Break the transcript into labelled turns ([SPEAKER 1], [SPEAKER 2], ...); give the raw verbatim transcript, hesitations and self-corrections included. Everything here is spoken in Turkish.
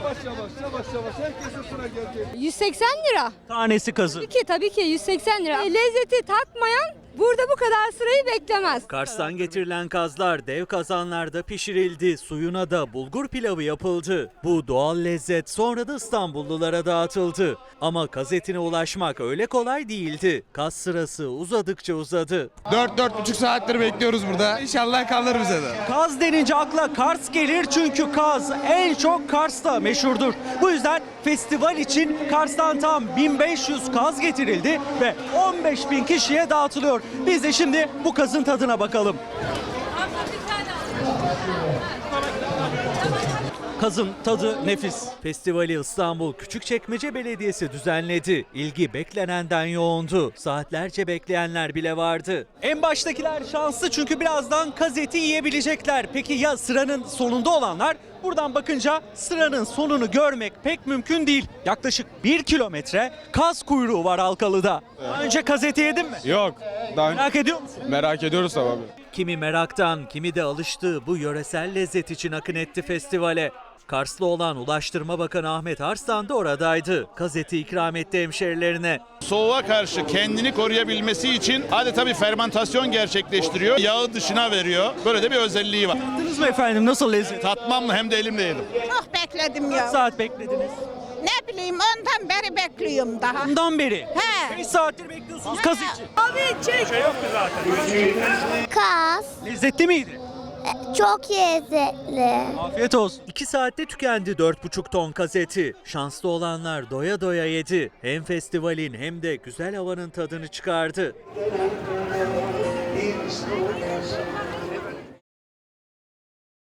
[SPEAKER 1] Yavaş yavaş yavaş yavaş herkesin sıra gelecek.
[SPEAKER 2] yüz seksen lira.
[SPEAKER 3] Tanesi kazın.
[SPEAKER 2] Tabii ki tabii ki yüz seksen lira. E, lezzeti tatmayan burada bu kadar sırayı beklemez.
[SPEAKER 3] Kars'tan getirilen kazlar dev kazanlarda pişirildi. Suyuna da bulgur pilavı yapıldı. Bu doğal lezzet sonra da İstanbullulara dağıtıldı. Ama kaz etine ulaşmak öyle kolay değildi. Kaz sırası uzadıkça uzadı.
[SPEAKER 4] dört dört buçuk saattir bekliyoruz burada. İnşallah kalır bize de.
[SPEAKER 3] Kaz denince akla Kars gelir çünkü kaz en çok Kars'ta meşhurdur. Bu yüzden festival için Kars'tan tam bin beş yüz kaz getirildi ve on beş bin kişiye dağıtılıyor. Biz de şimdi bu kazın tadına bakalım. Kazın tadı nefis. Festivali İstanbul Küçükçekmece Belediyesi düzenledi. İlgi beklenenden yoğundu. Saatlerce bekleyenler bile vardı. En baştakiler şanslı çünkü birazdan kaz eti yiyebilecekler. Peki ya sıranın sonunda olanlar? Buradan bakınca sıranın sonunu görmek pek mümkün değil. Yaklaşık bir kilometre kaz kuyruğu var Halkalı'da. Daha önce kaz eti yedin mi?
[SPEAKER 4] Yok. Daha
[SPEAKER 3] Merak ediyor musun?
[SPEAKER 4] merak ediyoruz tabii abi.
[SPEAKER 3] Kimi meraktan, kimi de alıştığı bu yöresel lezzet için akın etti festivale. Karslı olan Ulaştırma Bakanı Ahmet Arslan da oradaydı. Kaz eti ikram etti hemşerilerine.
[SPEAKER 5] Soğuğa karşı kendini koruyabilmesi için adeta bir fermentasyon gerçekleştiriyor. Yağı dışına veriyor. Böyle de bir özelliği var.
[SPEAKER 3] Tattınız mı efendim? Nasıl lezzet?
[SPEAKER 5] Tatmam mı hem de elimle yedim.
[SPEAKER 6] Çok bekledim
[SPEAKER 3] Kaç
[SPEAKER 6] ya.
[SPEAKER 3] saat beklediniz?
[SPEAKER 6] Ne bileyim ondan beri bekliyorum daha.
[SPEAKER 3] Bundan beri.
[SPEAKER 6] He.
[SPEAKER 3] beş saattir bekliyorsunuz kaz için.
[SPEAKER 6] Abi çek.
[SPEAKER 7] Kaz
[SPEAKER 3] Lezzetli miydi?
[SPEAKER 7] çok lezzetli.
[SPEAKER 3] Afiyet olsun. iki saatte tükendi dört buçuk ton kaz eti. Şanslı olanlar doya doya yedi. Hem festivalin hem de güzel havanın tadını çıkardı.